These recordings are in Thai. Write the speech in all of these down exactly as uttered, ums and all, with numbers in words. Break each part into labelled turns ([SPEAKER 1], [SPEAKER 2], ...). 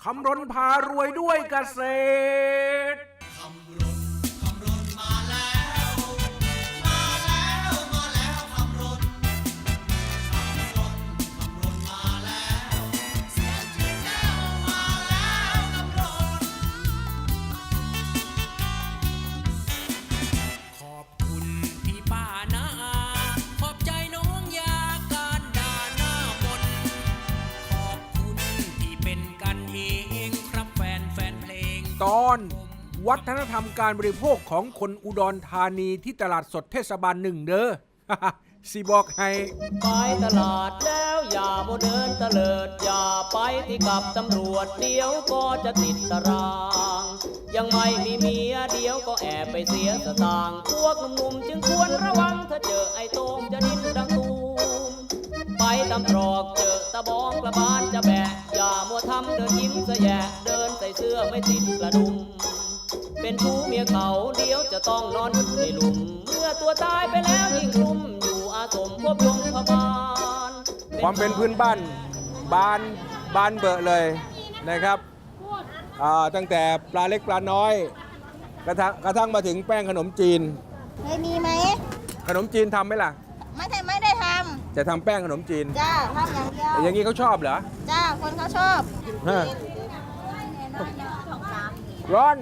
[SPEAKER 1] ำรณพารวยด้วยเกษตรตอนวัฒนธรรมการบริโภคของคนอุดรธานีที่ตลาดสดเทศบาลหนึ่งเด้อ สิบอกให้
[SPEAKER 2] ไปตลาดแล้วอย่าโมเดินตะเลิดอย่าไปที่กับตำรวจเดี๋ยวก็จะติดตารางยังไม่มีเมียเดี๋ยวก็แอบไปเสียสตางค์พวกหนุ่มๆจึงควรระวังถ้าเจอไอ้โต้งจะดิ้นดังตูมไปตำตรอกเจอตะบองกระบาลจะแบะอย่ามัวทำเดินยิ้มสะแยะเดินใส่เสื้อไม่ติดกระดุมเป็นชู้เมียเขาเดี๋ยวจะต้องนอนอยู่ในหลุมเมื่อตัวตายไปแล้วยิ่งกลุ่มอยู่อาสมพบยงพบาล
[SPEAKER 1] ความเป็นพื้นบ้านบานบานเบอะเลยนะครับตั้งแต่ปลาเล็กปลาน้อยกระทั่งกระทั่งมาถึงแป้งขนมจีน
[SPEAKER 3] เคยมีไหม
[SPEAKER 1] ขนมจีนทำไหมล่ะ
[SPEAKER 3] ไม่ใช่ไม่ได้ทำ
[SPEAKER 1] จะทำแป้งขนมจีน
[SPEAKER 3] จ้าทำอย่างเดียว
[SPEAKER 1] อย่างนี้เขาชอบเหรอ
[SPEAKER 3] จ้าคนเขาชอบ
[SPEAKER 1] ร้อน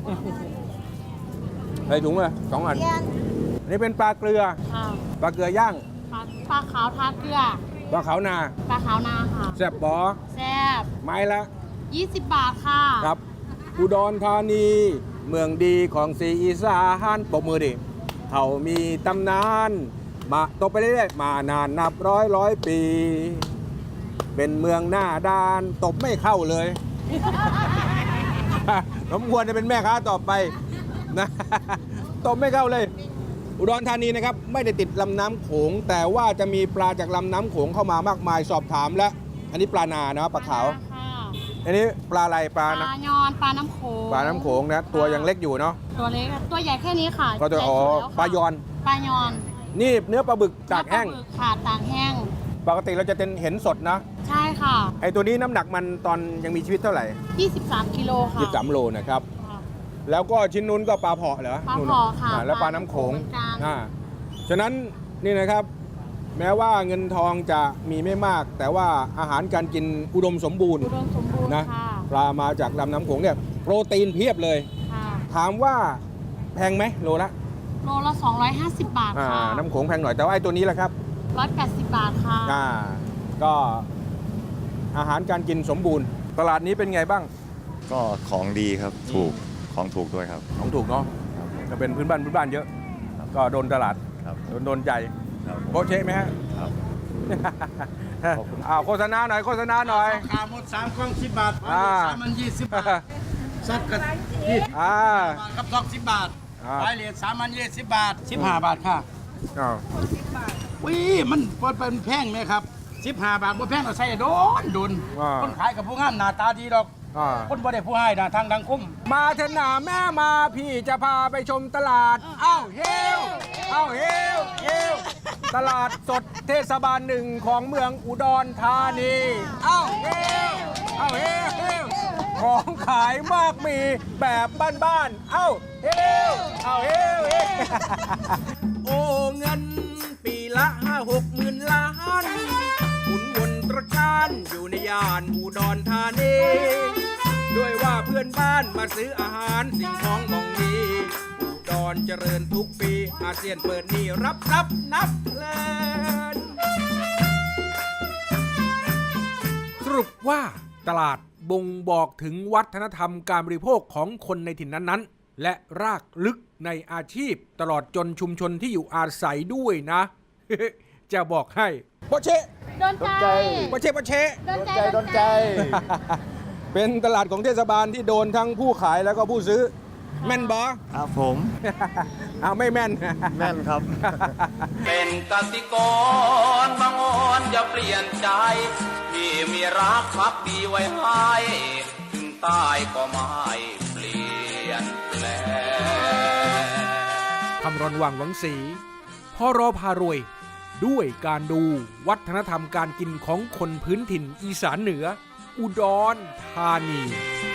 [SPEAKER 1] ใส่ถุงเลยสองอันอันนี้เป็นปลาเกลือปลาเกลือย่าง
[SPEAKER 4] ปลาขาวทาเกลือ
[SPEAKER 1] ปลาขาวนา
[SPEAKER 4] ปลาขาวนาค่ะ
[SPEAKER 1] แซ่บบอ
[SPEAKER 4] แซ่บ
[SPEAKER 1] ไม้ละ
[SPEAKER 4] ยี่สิบบาทค่ะ
[SPEAKER 1] ครับอุดรธานีเมืองดีของสีอีสานปรบมือดิเขามีตำนานมาตกไปเรื่อยๆมานานนับร้อยร้อยปีเป็นเมืองหน้าด้านตบไม่เข้าเลยสมควรจะเป็นแม่ค้าต่อไปนะตบไม่เข้าเลยอุดรธานีนะครับไม่ได้ติดลำน้ำโขงแต่ว่าจะมีปลาจากลำน้ำโขงเข้ามามากมายสอบถามและอันนี้ปลานานะปลาขาวอันนี้ปลาอะไรปลา
[SPEAKER 4] ปลายอนปลาน้ำโขง
[SPEAKER 1] ปลาน้ำโขงนะตัวยังเล็กอยู่เนาะ
[SPEAKER 4] ตัวเล็กตัวใหญ่แค่นี้ค่ะ
[SPEAKER 1] ก็จะอ๋อปลายอน
[SPEAKER 4] ปลายอน
[SPEAKER 1] นี่เนื้อปลาบึกตากแห้ง
[SPEAKER 4] ค่ะตากแห้ง
[SPEAKER 1] ปกติเราจะเห็นสดนะ
[SPEAKER 4] ใช่ค่ะ
[SPEAKER 1] ไอตัวนี้น้ำหนักมันตอนยังมีชีวิตเท่าไหร่
[SPEAKER 4] ยี่สิบสามกิโลค่ะ
[SPEAKER 1] ยี่สิบสามโลนะครับแล้วก็ชิ้นนู้นก็ปลาเผาะเหรอ
[SPEAKER 4] ปลาเผาะค่ะ
[SPEAKER 1] แล้วปลาน้ำโขงอ่าฉะนั้นนี่นะครับแม้ว่าเงินทองจะมีไม่มากแต่ว่าอาหารการกินอุดมสมบูรณ์
[SPEAKER 4] อุดมสมบูรณ์
[SPEAKER 1] นะปลามาจากลำน้ำโขงเนี่ยโปรตีนเพียบเลยถามว่าแพงไหมโลละ
[SPEAKER 4] โลละสองร้อยห้าสิบบาทค่ะ
[SPEAKER 1] น้ำโขงแพงหน่อยแต่ว่าไอ้ตัวนี้แหละครับ
[SPEAKER 4] หนึ่งร้อยแปดสิบบาทค่ะ
[SPEAKER 1] อ่าก็อาหารการกินสมบูรณ์ตลาดนี้เป็นไงบ้าง
[SPEAKER 5] ก็ของดีครับถูกของถูกด้วยครับ
[SPEAKER 1] ของถูกเนาะจะเป็นพื้นบ้านพื้นบ้านเยอะก็โดนตลาดโดนโดนใจโคเชไหมฮะครับอ้าวโฆษณาหน่อยโฆษณาหน่อย
[SPEAKER 6] ขาหมดสามกล่องสิบบาทสามมันยี่สิบบาทซับกันยี่สิบกับสองสิบบาทไปเหรียญสามมันยี่สิบบาทสิบห้าบาทค่ะอ้าววิมันเป็นแพงไหมครับสิบห้าบาทบ่แพงเราใส่โดนโดนคนขายกับผู้งามหน้าตาดีดอกคนบ่ได้ผู้ให้นะทางดังคุ้ม
[SPEAKER 1] มาเถอะหนาแม่มาพี่จะพาไปชมตลาดอ้าวเฮลอ้าวเฮลเฮลตลาดสดเทศบาลหนึ่งของเมืองอุดรธานีอ้าวเฮลอ้าวเฮลเฮลของขายมากมีแบบบ้านๆอ้าวเฮลอ้าวเฮลเฮลโอ้เงินปีละห้าหกหมื่นล้านหมุนวนตระการอยู่ในย่านอุดรธานีด้วยว่าเพื่อนบ้านมาซื้ออาหารสิ่งของมองมีอุดรเจริญทุกปีอาเซียนเปิดนี่รับทรัพย์นับเพลินสรุปว่าตลาดบ่งบอกถึงวัฒนธรรมการบริโภคของคนในถิ่นนั้นๆและรากลึกในอาชีพตลอดจนชุมชนที่อยู่อาศัยด้วยนะ จะบอกให้โปเช
[SPEAKER 4] โดนใจ
[SPEAKER 1] โปเชโปเช
[SPEAKER 4] โดนใจโดนใจ
[SPEAKER 1] เป็นตลาดของเทศบาลที่โดนทั้งผู้ขายแล้วก็ผู้ซื้อแม่นบอ
[SPEAKER 5] ครับผม
[SPEAKER 1] อ้าวไม่แม่น
[SPEAKER 5] แม่นครับ
[SPEAKER 2] เป็นกสิกรบางอ่อนอย่าเปลี่ยนใจที่มีรักพักดีไว้ให้ถึงตายก็ไม่เปลี่ยนแปลง
[SPEAKER 1] คำรณวังหวังศรีพรพารวยด้วยการดูวัฒนธรรมการกินของคนพื้นถิ่นอีสานเหนืออุดรธานี